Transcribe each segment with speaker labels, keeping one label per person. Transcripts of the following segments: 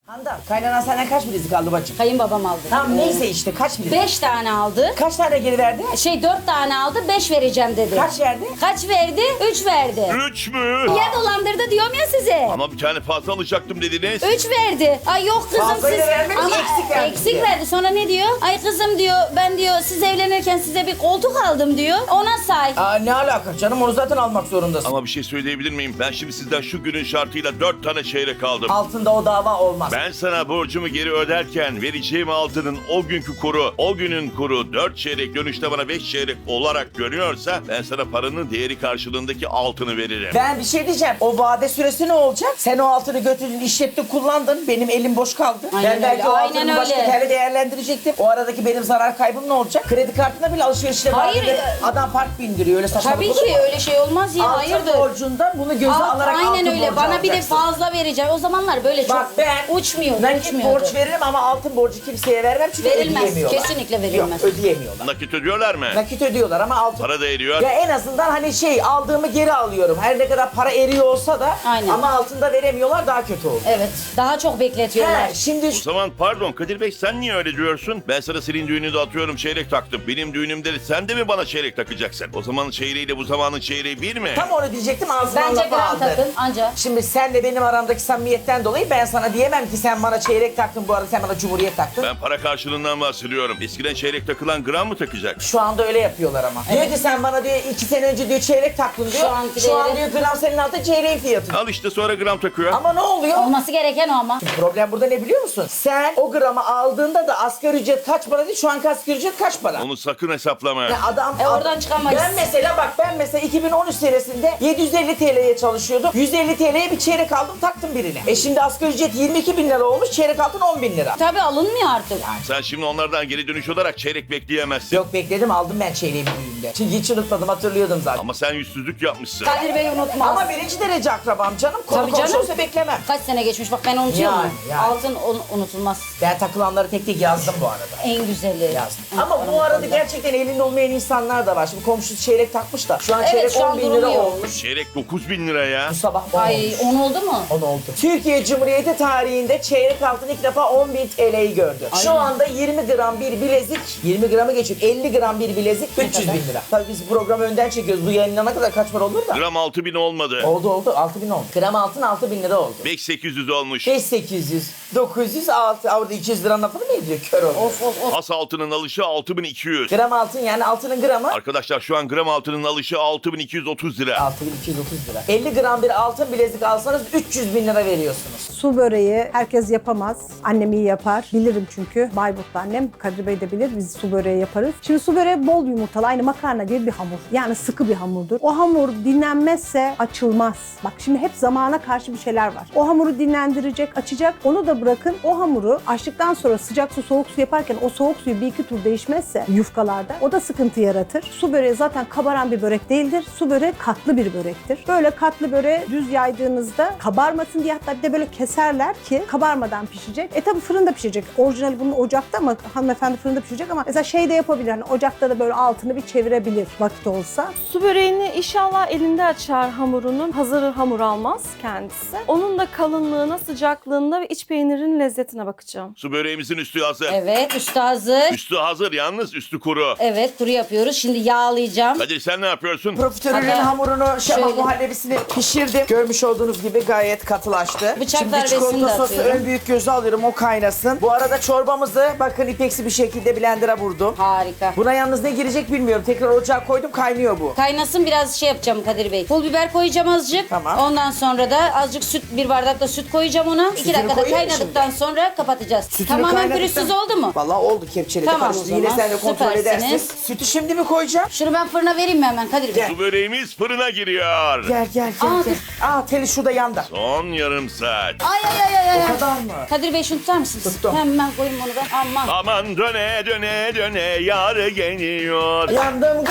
Speaker 1: Handan, kaynanan senden kaç bilezik aldı bacım?
Speaker 2: Kayınbabam aldı.
Speaker 1: Tamam neyse işte kaç bilezik?
Speaker 2: 5 tane aldı.
Speaker 1: Kaç tane geri verdi?
Speaker 2: 4 tane aldı, 5 vereceğim dedi.
Speaker 1: Kaç verdi?
Speaker 2: Kaç verdi? 3 verdi.
Speaker 3: 3 mü?
Speaker 2: Ya dolandırdı diyorum ya size.
Speaker 3: Ama bir tane fazla alacaktım dediniz.
Speaker 2: 3 verdi. Ay yok kızım
Speaker 1: Fazlayı
Speaker 2: siz...
Speaker 1: da vermedi, eksik verdi
Speaker 2: Eksik
Speaker 1: diyor.
Speaker 2: verdi. Sonra ne diyor? Ay kızım diyor, ben diyor siz evlenirken size bir koltuk aldım diyor. Ona say.
Speaker 1: Aa, ne alaka canım, onu zaten almak zorundasın.
Speaker 3: Ama bir şey söyleyebilir miyim? Ben şimdi sizden şu günün şartıyla 4 tane çeyrek aldım.
Speaker 1: Altında o dava olmaz.
Speaker 3: Ben sana borcumu geri öderken vereceğim altının o günkü kuru, o günün kuru 4 çeyrek dönüşte bana 5 çeyrek olarak görünüyorsa ben sana paranın değeri karşılığındaki altını veririm.
Speaker 1: Ben bir şey diyeceğim. O vade süresi ne olacak? Sen o altını götürdün, işlettin, kullandın. Benim elim boş kaldı.
Speaker 2: Aynen
Speaker 1: Ben belki
Speaker 2: öyle,
Speaker 1: o
Speaker 2: aynen
Speaker 1: altını başka
Speaker 2: öyle.
Speaker 1: türlü değerlendirecektim. O aradaki benim zarar kaybım ne olacak? Kredi kartına bile alışverişte
Speaker 2: Hayır,
Speaker 1: adam park bindiriyor. Öyle saçmalık
Speaker 2: Tabii
Speaker 1: olur mu?
Speaker 2: ki öyle şey olmaz ya.
Speaker 1: Altın
Speaker 2: Hayırdır?
Speaker 1: borcunda bunu göze alarak
Speaker 2: Aynen
Speaker 1: altın
Speaker 2: öyle.
Speaker 1: borcu
Speaker 2: Bana bir de
Speaker 1: alacaksın.
Speaker 2: fazla vereceğim. O zamanlar böyle
Speaker 1: Bak
Speaker 2: çok
Speaker 1: ben
Speaker 2: uçmuyordu.
Speaker 1: nakit borç veririm ama altın borcu kimseye vermem çünkü
Speaker 2: Verilmez,
Speaker 1: ödeyemiyorlar.
Speaker 2: kesinlikle verilmez.
Speaker 1: Yok, ödeyemiyorlar.
Speaker 3: Nakit ödüyorlar mı?
Speaker 1: Nakit ödüyorlar ama altın...
Speaker 3: Para da eriyor.
Speaker 1: Ya en azından hani aldığımı geri alıyorum. Her ne kadar para eriyor olsa da
Speaker 2: Aynen.
Speaker 1: ama altında veremiyorlar, daha kötü oldu.
Speaker 2: Evet. Daha çok bekletiyorlar.
Speaker 1: He, şimdi
Speaker 3: O zaman pardon Kadir Bey sen niye öyle diyorsun? Ben sana senin düğününde atıyorum çeyrek taktım. Benim düğünümde de sen de mi bana çeyrek takacaksın? O zamanın çeyreğiyle bu zamanın çeyreği bir mi?
Speaker 1: tam onu diyecektim, ağzından
Speaker 2: Bence
Speaker 1: lafı
Speaker 2: gram
Speaker 1: aldın.
Speaker 2: takın anca.
Speaker 1: Şimdi senle benim aramdaki samimiyetten dolayı ben sana diyemem ki sen bana çeyrek taktın, bu arada sen bana cumhuriyet taktın.
Speaker 3: Ben para karşılığından bahsediyorum. Eskiden çeyrek takılan gram mı takacak?
Speaker 1: Şu anda öyle yapıyorlar ama. Diyor ki sen bana diyor 2 sene önce diyor çeyrek taktın diyor.
Speaker 2: Şu anki
Speaker 1: Şu an
Speaker 2: değeri-
Speaker 1: diyor gram senin altında çeyreğin fiyatı.
Speaker 3: Al işte sonra gram takıyor.
Speaker 1: Ama ne oluyor?
Speaker 2: Olması gereken o ama.
Speaker 1: Problem burada ne biliyor musun? Sen o gramı aldığında da asgari ücret kaç para değil, şu anki asgari ücret kaç para?
Speaker 3: Onu sakın hesaplama.
Speaker 1: Ya adam
Speaker 2: Oradan çıkamayız.
Speaker 1: Ben mesela 2013 senesinde 750 TL'ye çalışıyordum. 150 TL'ye bir çeyrek aldım, taktım birine. Şimdi asgari ücret 22 bin lira olmuş, çeyrek altın 10 bin lira.
Speaker 2: Tabii alınmıyor artık.
Speaker 3: Sen şimdi onlardan geri dönüş olarak çeyrek bekleyemezsin.
Speaker 1: Yok, bekledim, aldım ben çeyreği bir düğünde. Çünkü hiç unutmadım, hatırlıyordum zaten.
Speaker 3: Ama sen yüzsüzlük yapmışsın.
Speaker 2: Kadir Bey unutmaz.
Speaker 1: Ama birinci derece akrabam canım. Konu
Speaker 2: Tabii
Speaker 1: komşu
Speaker 2: canım.
Speaker 1: olsa beklemem.
Speaker 2: Kaç sene geçmiş bak ben unutuyorum.
Speaker 1: Yani.
Speaker 2: Altın unutulmaz.
Speaker 1: Ben takılanları tek tek yazdım bu arada.
Speaker 2: En güzeli.
Speaker 1: Yazdım. Ama bu arada gerçekten elinde olmayan insanlar da var. Şimdi komşusu çeyrek takmış da şu an
Speaker 2: Evet,
Speaker 1: çeyrek
Speaker 2: şu an
Speaker 1: 10 bin
Speaker 2: durumu
Speaker 1: lira
Speaker 2: yok.
Speaker 1: olmuş.
Speaker 3: Çeyrek 9 bin lira ya.
Speaker 1: Bu sabah 10
Speaker 2: Ay
Speaker 1: olmuş.
Speaker 2: 10 oldu mu?
Speaker 1: 10 oldu. Türkiye Cumhuriyeti tarihinde çeyrek altın ilk defa 10 bin TL'yi gördü. Şu anda 20 gram bir bilezik, 20 gramı geçiyor. 50 gram bir bilezik 300 bin lira. Tabii biz programı önden çekiyoruz. Bu yayınlanana kadar kaç para olur da?
Speaker 3: Gram 6 bin olmadı.
Speaker 1: Oldu 6 bin oldu. Gram altın 6 bin lira oldu.
Speaker 3: 5800 olmuş.
Speaker 1: 5800, 900, 6. Orada 200 liranın lafını mı ediyor? Kör oldu.
Speaker 2: Of.
Speaker 3: Has altının alışı 6200.
Speaker 1: Gram altın, yani altının gramı
Speaker 3: Arkadaşlar şu an gram altının alışı 6230 lira.
Speaker 1: 6230 lira. 50 gram bir altın bilezik alsanız 300 bin lira veriyorsunuz.
Speaker 4: Su böreği herkes yapamaz. Annem iyi yapar. Bilirim çünkü. Bayburtlu annem. Kadir Bey de bilir. Biz su böreği yaparız. Şimdi su böreği bol yumurtalı. Aynı makarna gibi bir hamur. Yani sıkı bir hamurdur. O hamur dinlenmezse açılmaz. Bak şimdi hep zamana karşı bir şeyler var. O hamuru dinlendirecek, açacak. Onu da bırakın. O hamuru açtıktan sonra sıcak su, soğuk su yaparken o soğuk suyu bir iki tur değişmezse yufkalarda o da sıkıntı yaratır. Su böreği zaten kabaran bir börek değildir. Su böreği katlı bir börektir. Böyle katlı böreği düz yaydığınızda kabarmasın diye hatta bir de böyle keserler ki kabarmadan pişecek. Tabi fırında pişecek. Orijinali bunun ocakta ama hanımefendi fırında pişecek ama mesela şey de yapabilir. Hani ocakta da böyle altını bir çevirebilir vakit olsa.
Speaker 5: Su böreğini inşallah elinde açar hamurunun. Hazır hamur almaz kendisi. Onun da kalınlığına, sıcaklığına ve iç peynirin lezzetine bakacağım.
Speaker 3: Su böreğimizin üstü hazır.
Speaker 2: Evet üstü hazır.
Speaker 3: Üstü hazır yalnız üstü kuru.
Speaker 2: Evet kuru yapıyoruz. Şimdi yağlayacağım.
Speaker 3: Kadir sen ne yapıyorsun?
Speaker 1: Profiterolün
Speaker 2: Hatta
Speaker 1: hamurunu,
Speaker 2: şöyle.
Speaker 1: muhallebisini pişirdim. Görmüş olduğunuz gibi gayet katılaştı.
Speaker 2: Bıçak
Speaker 1: Şimdi
Speaker 2: darbesini
Speaker 1: çikolata
Speaker 2: de
Speaker 1: sosu
Speaker 2: atıyorum.
Speaker 1: ön büyük gözü alıyorum, o kaynasın. Bu arada çorbamızı bakın ipeksi bir şekilde blender'a vurdum.
Speaker 2: Harika.
Speaker 1: Buna yalnız ne girecek bilmiyorum. Tekrar ocağa koydum, kaynıyor bu.
Speaker 2: Kaynasın biraz şey yapacağım Kadir Bey. Pul biber koyacağım azıcık.
Speaker 1: Tamam.
Speaker 2: Ondan sonra da azıcık süt, bir bardak da süt koyacağım ona. 2
Speaker 1: Sütünü
Speaker 2: dakikada
Speaker 1: koyayım mı
Speaker 2: kaynadıktan sonra kapatacağız.
Speaker 1: Sütünü
Speaker 2: Tamamen
Speaker 1: kaynadıktan-
Speaker 2: pürüzsüz oldu mu?
Speaker 1: Vallahi oldu, kepçeledi.
Speaker 2: Tamam
Speaker 1: Karıştı.
Speaker 2: o zaman,
Speaker 1: Yine sen de kontrol
Speaker 2: süpersiniz.
Speaker 1: edersin. Sütü şimdi mi koyacağım?
Speaker 2: Şunu ben fırına vereyim mi hemen Kadir Bey?
Speaker 1: Gel.
Speaker 3: Su böreğimiz fırına giriyor.
Speaker 1: Gel
Speaker 2: Aa,
Speaker 1: gel. Teli şurada yanda.
Speaker 3: Son yarım saat.
Speaker 2: Ay.
Speaker 1: O kadar mı?
Speaker 2: Kadir Bey şunu tutar mısınız?
Speaker 1: Tuttum.
Speaker 2: Hemen koyayım onu ben. Aman.
Speaker 3: Aman döne döne döne yar geliyor.
Speaker 1: Yandım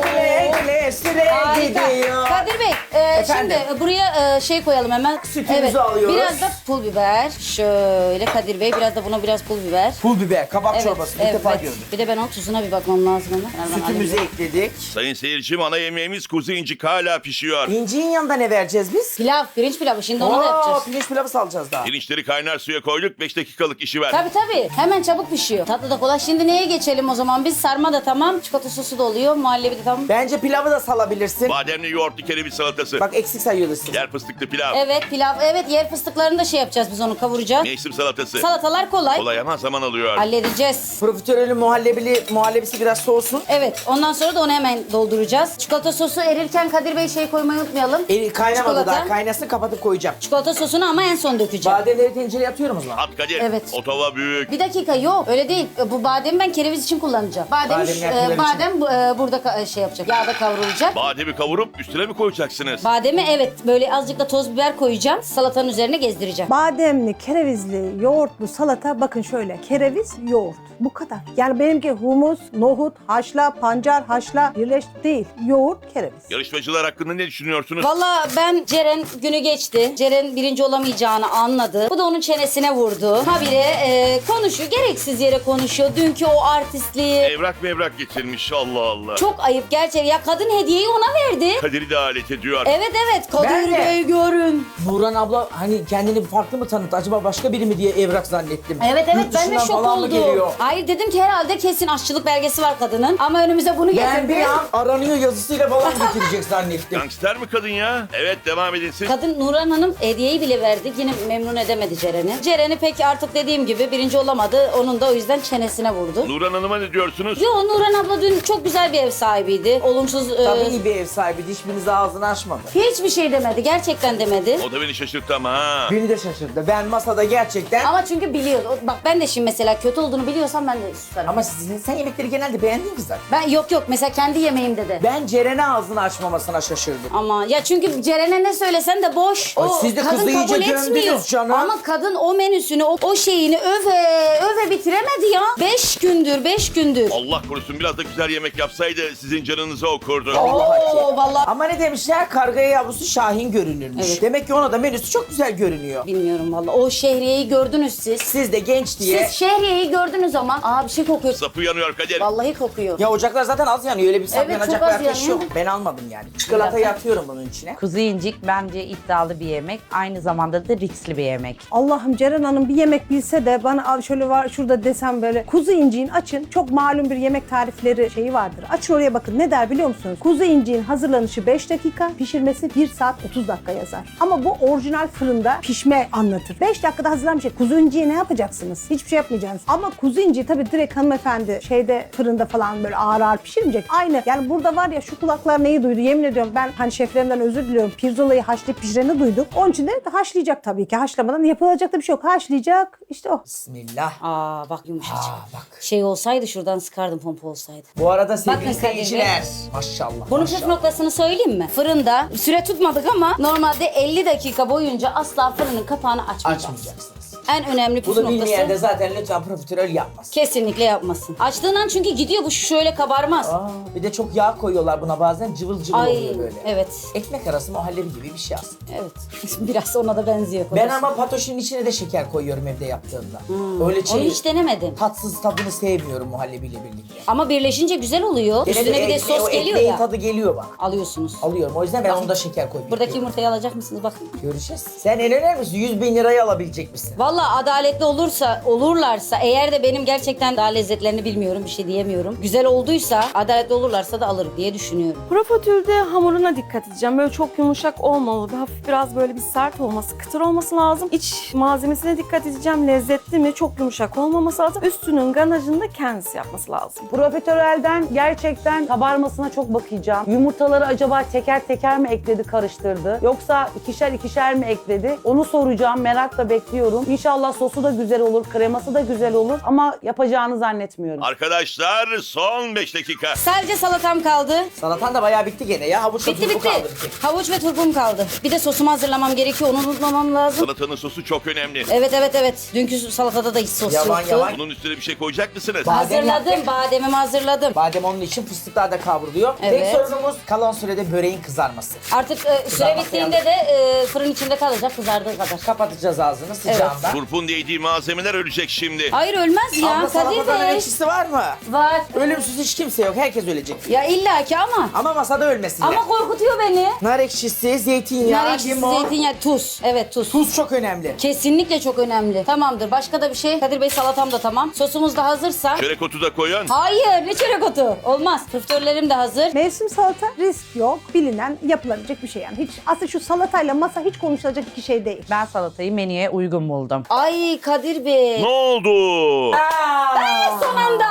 Speaker 1: güle süre
Speaker 2: Harika.
Speaker 1: gidiyor.
Speaker 2: Kadir Bey
Speaker 1: Efendim?
Speaker 2: şimdi buraya şey koyalım hemen.
Speaker 1: Sütümüzü alıyoruz.
Speaker 2: Biraz da pul biber. Şöyle Kadir Bey biraz da buna biraz pul biber.
Speaker 1: Pul biber, kabak çorbası. İlk defa gördüm.
Speaker 2: Bir de ben onun tuzuna bir bakmam lazım hemen. Hemen
Speaker 1: Sütümüzü
Speaker 2: alayım.
Speaker 1: ekledik.
Speaker 3: Sayın seyircim ana yemeğimiz kuzu incik hala pişiyor.
Speaker 1: İnciğin yanında ne vereceğiz biz?
Speaker 2: Pilav, pirinç pilavı. Şimdi onu da yapacağız.
Speaker 1: Pirinç pilavı salacağız daha.
Speaker 3: Pirinçleri kaynar suya koyduk 5 dakikalık işi ver.
Speaker 2: Tabii. Hemen çabuk pişiyor. Tatlı da kolay. Şimdi neye geçelim o zaman? Biz sarma da tamam. Çikolata sosu da oluyor. Muhallebi de tamam.
Speaker 1: Bence pilavı da salabilirsin.
Speaker 3: Bademli yoğurtlu kereviz salatası.
Speaker 1: Bak eksik sayıyorsun.
Speaker 3: Yer fıstıklı pilav.
Speaker 2: Evet pilav. Evet yer fıstıklarını da şey yapacağız biz onu kavuracağız.
Speaker 3: Mevsim salatası.
Speaker 2: Salatalar kolay.
Speaker 3: Kolay ama zaman alıyor.
Speaker 2: Halledeceğiz.
Speaker 1: Profiterolün muhallebisi biraz soğusun.
Speaker 2: Evet ondan sonra da onu hemen dolduracağız. Çikolata sosu erirken Kadir Bey şey koymayı unutmayalım.
Speaker 1: Kaynamadı
Speaker 2: Çikolata.
Speaker 1: daha. Kaynasın kapatıp koyacağım.
Speaker 2: Çikolata sosunu ama en son dökeceğim.
Speaker 1: Bademleri tencereye atıyorum o zaman.
Speaker 3: At Kadir.
Speaker 2: Evet.
Speaker 3: O tava büyük.
Speaker 2: Bir dakika yok öyle değil. Bu bademi ben kereviz için kullanacağım. Badem burada şey yapacak. Yağda kavrulacak.
Speaker 3: Bademi kavurup üstüne mi koyacaksınız?
Speaker 2: Bademi evet böyle azıcık da toz biber koyacağım. Salatanın üzerine gezdireceğim.
Speaker 4: Bademli, kerevizli, yoğurtlu salata bakın şöyle. Kereviz, yoğurt. Bu kadar. Yani benimki humus, nohut, haşla, pancar, haşla, birleş değil. Yoğurt, kereviz.
Speaker 3: Yarışmacılar hakkında ne düşünüyorsunuz?
Speaker 2: Valla ben Ceren günü geçti. Ceren birinci olamayacağını anladı. Bu da onun çenesine vurdu. Habire konuşuyor. Gereksiz yere konuşuyor. Dünkü o artistliği.
Speaker 3: Evrak mevrak getirmiş Allah Allah.
Speaker 2: Çok ayıp gerçekten. Ya kadın hediyeyi ona verdi.
Speaker 3: Kadir'i de alet ediyor.
Speaker 2: Evet.
Speaker 1: Ben
Speaker 2: Kadir
Speaker 1: de.
Speaker 2: Bey görün.
Speaker 1: Nurhan abla hani kendini farklı mı tanıttı? Acaba başka biri mi diye evrak zannettim.
Speaker 2: Evet
Speaker 1: Yurt
Speaker 2: ben de
Speaker 1: dışından
Speaker 2: şok
Speaker 1: falan mı
Speaker 2: oldum.
Speaker 1: geliyor?
Speaker 2: Hayır dedim ki herhalde kesin aşçılık belgesi var kadının. Ama önümüze bunu
Speaker 1: Ben
Speaker 2: getirdi.
Speaker 1: bir an aranıyor yazısıyla falan getirecek zannettim.
Speaker 3: Gangster mi kadın ya? Evet devam edin siz.
Speaker 2: Kadın Nurhan Hanım hediyeyi bile verdi. Yine memnun edemedi Ceren'i. Ceren'i pek artık dediğim gibi birinci olamadı. Onun da o yüzden çenesine vurdu.
Speaker 3: Nurhan Hanım'a ne diyorsunuz?
Speaker 2: Yo Nurhan abla dün çok güzel bir ev sahibiydi. Olumsuz
Speaker 1: Tabii iyi bir ev sahibi. Hiçbiriniz ağzını açmadı.
Speaker 2: hiçbir şey demedi. Gerçekten demedi.
Speaker 3: O da beni şaşırttı ama ha.
Speaker 1: Beni de şaşırdı. Ben masada gerçekten...
Speaker 2: Ama çünkü biliyordu. Bak ben de şimdi mesela kötü olduğunu biliyorsam ben de susarım.
Speaker 1: Ama sen yemekleri genelde beğendin ki zaten.
Speaker 2: Ben yok mesela kendi yemeğimde de.
Speaker 1: Ben Ceren'e ağzını açmamasına şaşırdım.
Speaker 2: Ama ya çünkü Ceren'e ne söylesen de boş.
Speaker 1: Ay siz de
Speaker 2: kadın
Speaker 1: kızı iyice
Speaker 2: kabul
Speaker 1: gömdünüz
Speaker 2: etmiyor.
Speaker 1: canım.
Speaker 2: Ama kadın o menüsünü, o şeyini öve bitiremedi ya. 5 gündür.
Speaker 3: Allah korusun biraz da güzel yemek yapsaydı sizin canınızı okurdu.
Speaker 1: Vallahi ki.
Speaker 2: Vallahi
Speaker 1: Ama ne demişler? Kargaya yavrusu Şahin görünürmüş.
Speaker 2: Evet.
Speaker 1: Demek ki ona da menüsü çok güzel görünüyor.
Speaker 2: bilmiyorum vallahi. O şehriyeyi gördünüz siz.
Speaker 1: Siz de genç diye...
Speaker 2: Siz şehriyeyi gördünüz ama bir şey kokuyor.
Speaker 3: Sapı yanıyor Kadir.
Speaker 2: Vallahi kokuyor.
Speaker 1: Ya ocaklar zaten az yanıyor. Öyle bir sap
Speaker 2: Evet,
Speaker 1: yanacak
Speaker 2: çok
Speaker 1: bir
Speaker 2: az
Speaker 1: ateş
Speaker 2: yanıyor.
Speaker 1: yok. Ben almadım yani. Çikolatayı atıyorum bunun içine.
Speaker 6: Kuzu incik bence iddialı bir yemek. Aynı zamanda da riskli bir yemek.
Speaker 4: Allah'ım Ceren Hanım bir yemek bilse de bana abi şöyle var şurada desem böyle kuzu inciğin açın. Çok malum bir yemek tarifleri şeyi vardır. Açın oraya bakın ne der biliyor musunuz? Kuzu inciğin hazırlanışı 5 dakika, pişirmesi 1 saat 30 dakika yazar. Ama bu orijinal fırında pişme anlatır. 5 dakikada hazırlanmış şey. Kuzu inciği ne yapacaksınız? Hiçbir şey yapmayacaksınız. Ama kuzu inciği tabii direkt hanımefendi fırında falan böyle ağır ağır pişirmeyecek. Aynı yani burada var ya şu kulaklar neyi duydu? Yemin ediyorum ben hani şeflerimden özür diliyorum. Pirzolayı haşlayıp pişireni duyduk. Onun için de haşlayacak tabii ki. Haşlamadan yapılacak da bir şey yok. Haşlayacak işte o.
Speaker 1: Bismillah.
Speaker 2: Bak yumuşacık.
Speaker 1: Bak.
Speaker 2: Şey olsaydı şuradan sıkardım pompa olsaydı.
Speaker 1: Bu arada sevgili
Speaker 2: Bakın Kadir
Speaker 1: seyirciler. Maşallah.
Speaker 2: Bunun püf
Speaker 1: maşallah.
Speaker 2: noktasını söyleyeyim mi? Fırında süre tutmadık ama normalde 50 dakika boyunca asla fırının kapağını açmayacağız.
Speaker 1: Açmayacaksınız.
Speaker 2: En önemli püf
Speaker 1: Bunu
Speaker 2: noktası
Speaker 1: bilmeyen de zaten lütfen profiterol yapmasın.
Speaker 2: kesinlikle yapmasın. Açtığın an çünkü gidiyor bu şöyle kabarmaz.
Speaker 1: Bir de çok yağ koyuyorlar buna bazen cıvıl cıvıl
Speaker 2: Ay
Speaker 1: oluyor böyle.
Speaker 2: evet.
Speaker 1: Ekmek arası muhallebi gibi bir şey aslında.
Speaker 2: Evet. Biraz ona da benziyor.
Speaker 1: Ben ama patoşun içine de şeker koyuyorum evde yaptığımda. Öyle
Speaker 2: Onu hiç denemedim.
Speaker 1: tatsız tadını sevmiyorum muhallebiyle birlikte.
Speaker 2: Ama birleşince güzel oluyor. Üstüne bir de sos
Speaker 1: o
Speaker 2: geliyor
Speaker 1: ekmeğin
Speaker 2: ya.
Speaker 1: tadı geliyor bak.
Speaker 2: Alıyorsunuz.
Speaker 1: Alıyorum. O yüzden ben onda şeker koyuyorum.
Speaker 2: Buradaki yumurtayı alacak mısınız bakın.
Speaker 1: Göreceğiz. Sen en önemlisi 100.000 lirayı alabilecek misin?
Speaker 2: Valla adaletli olurlarsa eğer de benim gerçekten daha lezzetlerini bilmiyorum bir şey diyemiyorum. Güzel olduysa adaletli olurlarsa da alırım diye düşünüyorum.
Speaker 5: Profiterolde hamuruna dikkat edeceğim. Böyle çok yumuşak olmalı. Hafif biraz böyle bir sert olması, kıtır olması lazım. İç malzemesine dikkat edeceğim. Lezzetli mi? Çok yumuşak olmaması lazım. Üstünün ganajını da kendisi yapması lazım.
Speaker 7: Profiterolden gerçekten kabarmasına çok bakacağım. Yumurtaları acaba teker teker mi ekledi, karıştırdı? Yoksa ikişer ikişer mi ekledi? Onu soracağım, merakla bekliyorum. İnşallah sosu da güzel olur, kreması da güzel olur ama yapacağını zannetmiyorum.
Speaker 3: Arkadaşlar son 5 dakika.
Speaker 2: Sadece salatam kaldı.
Speaker 1: Salatan da bayağı bitti gene ya. Havuç
Speaker 2: Bitti.
Speaker 1: kaldı bir tek.
Speaker 2: Havuç ve turpum kaldı. Bir de sosumu hazırlamam gerekiyor. Onu unutmamam lazım.
Speaker 3: Salatanın sosu çok önemli.
Speaker 2: Evet. Dünkü salatada da hiç sos
Speaker 1: Yavan,
Speaker 2: yoktu.
Speaker 1: yavan.
Speaker 3: Bunun üstüne bir şey koyacak mısınız?
Speaker 1: Badem
Speaker 2: Hazırladım.
Speaker 1: yaptık.
Speaker 2: Bademimi hazırladım.
Speaker 1: Badem onun için fıstıklar da kavruluyor.
Speaker 2: Evet.
Speaker 1: Tek sorunumuz kalan sürede böreğin kızarması.
Speaker 2: Artık süre
Speaker 1: Kızarması
Speaker 2: bittiğinde de fırın içinde kalacak kızardığı kadar.
Speaker 1: Kapatacağız ağzını sıcağında.
Speaker 3: Turpun değdiği malzemeler ölecek şimdi.
Speaker 2: Hayır ölmez ya
Speaker 1: Abla
Speaker 2: Kadir
Speaker 1: salatadan
Speaker 2: Bey.
Speaker 1: ekşisi var mı?
Speaker 2: Var.
Speaker 1: Ölümsüz hiç kimse yok. Herkes ölecek.
Speaker 2: Ya illaki ama.
Speaker 1: Ama masada ölmesinler.
Speaker 2: Ama korkutuyor beni.
Speaker 1: Nar ekşisi, zeytinyağı,
Speaker 2: Nar ekşisi,
Speaker 1: limon.
Speaker 2: zeytinyağı, tuz. Evet tuz.
Speaker 1: Tuz çok önemli.
Speaker 2: Kesinlikle çok önemli. Tamamdır. Başka da bir şey. Kadir Bey salatam da tamam. Sosumuz da hazırsa.
Speaker 3: Çörek otu da koyun.
Speaker 2: Hayır ne çörek otu. Olmaz. Profiterollerim de hazır.
Speaker 4: Mevsim salata risk yok. Bilinen yapılabilecek bir şey yani. Hiç aslında şu salatayla masa hiç konuşulacak iki şey değil.
Speaker 6: Ben salatayı menüye uygun buldum.
Speaker 2: Ay Kadir Bey.
Speaker 3: Ne oldu?
Speaker 2: Son anda.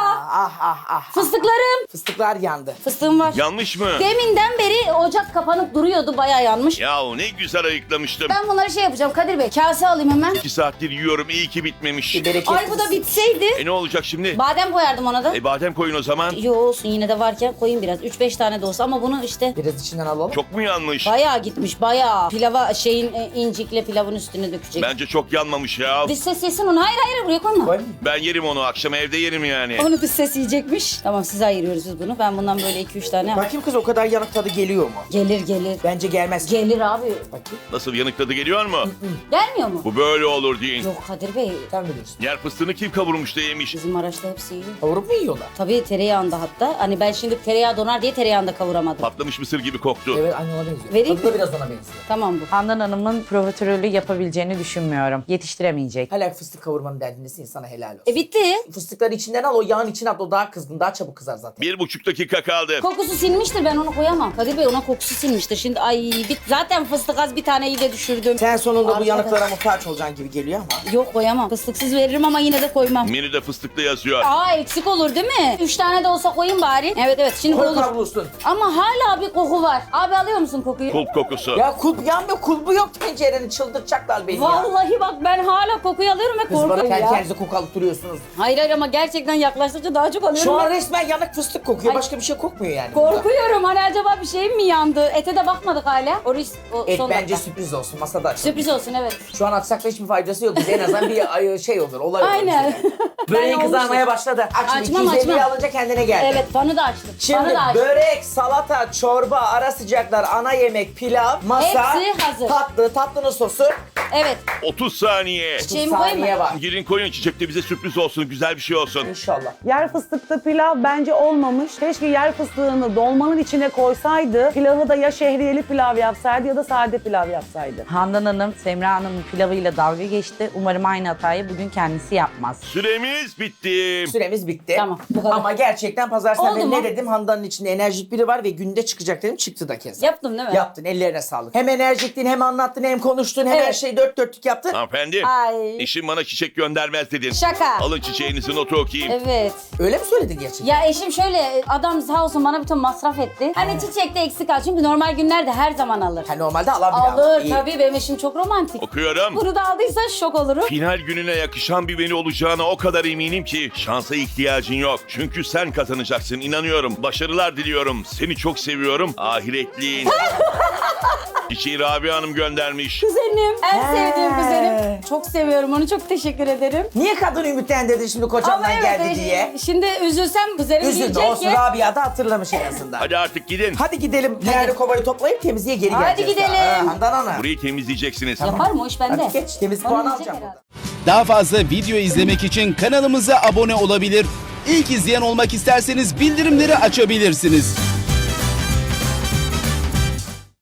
Speaker 1: Ah.
Speaker 2: Fıstıklarım.
Speaker 1: Fıstıklar yandı.
Speaker 2: Fıstığım var.
Speaker 3: Yanlış mı?
Speaker 2: Deminden beri ocak kapanıp duruyordu. Bayağı yanmış.
Speaker 3: Yahu ne güzel ayıklamıştım.
Speaker 2: Ben bunları şey yapacağım Kadir Bey. Kase alayım hemen.
Speaker 3: 2 saattir yiyorum, iyi ki bitmemiş.
Speaker 1: Bereket.
Speaker 2: Ay bu da bitseydi.
Speaker 3: Ne olacak şimdi?
Speaker 2: Badem koyardım ona da.
Speaker 3: Badem koyun o zaman.
Speaker 2: Yo olsun yine de varken koyayım biraz. 3-5 tane de olsa ama bunu işte
Speaker 1: Biraz içinden alalım.
Speaker 3: Çok mu yanmış?
Speaker 2: bayağı gitmiş bayağı. Pilava incikle pilavın üstüne dökecek.
Speaker 3: Bence çok yanmamış ya.
Speaker 2: Dış ses yesin onu. Hayır buraya koyma.
Speaker 1: Koy mu?
Speaker 3: Ben yerim onu, akşam evde yerim yani.
Speaker 2: Onu dış ses yiyecekmiş. Tamam size ayırıyoruz biz bunu. Ben bundan böyle 2-3 tane.
Speaker 1: Bakayım kız o kadar yanık tadı geliyor mu?
Speaker 2: Gelir.
Speaker 1: Bence gelmez.
Speaker 2: Gelir abi.
Speaker 1: Bakayım.
Speaker 3: Nasıl, yanık tadı geliyor mu?
Speaker 2: Gelmiyor mu?
Speaker 3: Bu böyle olur deyin.
Speaker 2: Yok Kadir Bey.
Speaker 1: Sen biliyorsun.
Speaker 3: Yer fıstığını kim kavurmuş da yemiş?
Speaker 2: Bizim araçta hepsi yiyor.
Speaker 1: Kavurup mu yiyorlar?
Speaker 2: Tabii tereyağında hatta. Hani ben şimdi tereyağı donar diye tereyağında kavuramadım.
Speaker 3: Patlamış mısır gibi koktu.
Speaker 1: Evet aynı ona benziyor.
Speaker 2: Vereyim
Speaker 1: Tadı da
Speaker 2: mi?
Speaker 1: biraz ona benziyor.
Speaker 2: Tamam bu.
Speaker 6: Handan Hanım'ın profiterolü yapabileceğini düşünmüyorum. Yetiştiremeyecek.
Speaker 1: Hala fıstık kavurmanın derdindesin, sana helal olsun.
Speaker 2: Bitti.
Speaker 1: Fıstıkları içinden al, o yağın içine at, o daha kızgın, daha çabuk kızar zaten.
Speaker 3: 1,5 dakika kaldı.
Speaker 2: Kokusu sinmiştir ben onu koyamam. Kadir Bey ona kokusu sinmiştir. Şimdi zaten fıstık az bir taneyi de düşürdüm.
Speaker 1: Sen sonunda bu
Speaker 2: Arkada.
Speaker 1: yanıklara muhtaç olacaksın gibi geliyor ama.
Speaker 2: Yok koyamam. Fıstıksız veririm ama yine de koymam.
Speaker 3: Menüde fıstıklı yazıyor.
Speaker 2: Aa eksik olur değil mi? 3 tane de olsa koyayım bari. Evet şimdi
Speaker 1: Koy
Speaker 2: olur.
Speaker 1: kavrulsun.
Speaker 2: Ama hala bir koku var. Abi alıyor musun kokuyu?
Speaker 3: Kulp kokusu.
Speaker 1: Ya kulp yanmıyor, kulbu yok tencerenin, çıldırtacaklar beni ya.
Speaker 2: Vallahi bak ben hala kokuyu alıyorum ve
Speaker 1: Kız bana
Speaker 2: korkuyorum
Speaker 1: kendi
Speaker 2: ya.
Speaker 1: kendinize koku alıp duruyorsunuz.
Speaker 2: Hayır ama gerçekten yaklaştıkça daha çok alıyorum.
Speaker 1: Şu an
Speaker 2: ve
Speaker 1: resmen yanık fıstık kokuyor,
Speaker 2: Ay.
Speaker 1: başka bir şey kokmuyor yani.
Speaker 2: korkuyorum. Hani acaba bir şeyim mi yandı? Ete de bakmadık hala. O
Speaker 1: Et
Speaker 2: son
Speaker 1: bence
Speaker 2: dakika.
Speaker 1: sürpriz olsun, masada açalım.
Speaker 2: Sürpriz olsun evet.
Speaker 1: Şu an açsak da hiçbir faydası yok. Bize en azından bir şey olur, olay olur.
Speaker 2: Aynen.
Speaker 1: bize. Böreğin
Speaker 2: Ben
Speaker 1: kızarmaya
Speaker 2: olmuşum.
Speaker 1: başladı. Açma,
Speaker 2: Açmam.
Speaker 1: 250'yi alınca kendine geldi.
Speaker 2: Evet fanı da açtım.
Speaker 1: Şimdi
Speaker 2: fanı da açtım.
Speaker 1: börek, salata, çorba, ara sıcaklar, ana yemek, pilav, masa,
Speaker 2: Hepsi hazır.
Speaker 1: tatlının sosu,
Speaker 2: Evet.
Speaker 3: 30 saniye.
Speaker 2: Çiçeğimi koyayım
Speaker 1: saniye
Speaker 2: mı?
Speaker 1: var.
Speaker 3: Girin koyun, çiçek de bize sürpriz olsun, güzel bir şey olsun.
Speaker 1: İnşallah.
Speaker 7: Yer fıstıklı pilav bence olmamış. Keşke yer fıstığını dolmanın içine koysaydı. Pilavı da ya şehriyeli pilav yapsaydı ya da sade pilav yapsaydı.
Speaker 6: Handan Hanım, Semra Hanım'ın pilavıyla dalga geçti. Umarım aynı hatayı bugün kendisi yapmaz.
Speaker 3: Süremiz bitti.
Speaker 1: Süremiz bitti.
Speaker 2: Tamam, bu kadar.
Speaker 1: Ama gerçekten pazartesi
Speaker 2: Oldu
Speaker 1: ben
Speaker 2: mu?
Speaker 1: ne dedim? Handan'ın içinde enerjik biri var ve günde çıkacak dedim. Çıktı da keza.
Speaker 2: Yaptım değil mi?
Speaker 1: Yaptın, ellerine sağlık. Hem enerjiktin, hem anlattın, hem konuştun, hem
Speaker 2: Evet.
Speaker 1: her şeyi dört dörtlük yaptın.
Speaker 3: Hanımefendi,
Speaker 2: Ay.
Speaker 3: eşim bana çiçek göndermez dedin.
Speaker 2: Şaka.
Speaker 3: Alın çiçeğinizi, notu okuyayım.
Speaker 2: Evet.
Speaker 1: Öyle mi söyledin gerçekten?
Speaker 2: Ya eşim şöyle adam sağ olsun bana bütün masraf etti. Hani çiçekte eksik al. Çünkü normal günlerde her zaman alır.
Speaker 1: Ha, normalde alabilir.
Speaker 2: Alır
Speaker 1: İyi.
Speaker 2: tabii benim eşim çok romantik.
Speaker 3: Okuyorum.
Speaker 2: Bunu da aldıysa şok olurum.
Speaker 3: Final gününe yakışan bir menü olacağına o kadar eminim ki şansa ihtiyacın yok. Çünkü sen kazanacaksın, inanıyorum. Başarılar diliyorum. Seni çok seviyorum. Ahiretliğin. Çiçeği Rabia Hanım göndermiş.
Speaker 2: Kuzenim. En
Speaker 1: He.
Speaker 2: sevdiğim kuzenim. Çok seviyorum onu. Çok teşekkür ederim.
Speaker 1: Niye kadın ümitlendirdin şimdi kocamdan geldi diye?
Speaker 2: Şimdi üzülsem kuzenim
Speaker 1: Üzüldü.
Speaker 2: diyecek
Speaker 1: Olsun,
Speaker 2: ki.
Speaker 1: Rabia da hatırlamış en azından.
Speaker 3: Hadi artık gidin.
Speaker 1: Hadi gidelim. Diğer kovayı toplayıp temizliğe geri
Speaker 2: Hadi
Speaker 1: geleceğiz.
Speaker 2: gidelim.
Speaker 1: daha. Ha, Handan Ana.
Speaker 3: Burayı temizleyeceksiniz.
Speaker 2: Yapar mı o iş bende?
Speaker 1: Hadi geç, temiz
Speaker 2: Bana
Speaker 1: puan
Speaker 2: diyecek
Speaker 1: alacağım
Speaker 2: herhalde.
Speaker 8: Daha fazla video izlemek için kanalımıza abone olabilir. İlk izleyen olmak isterseniz bildirimleri açabilirsiniz.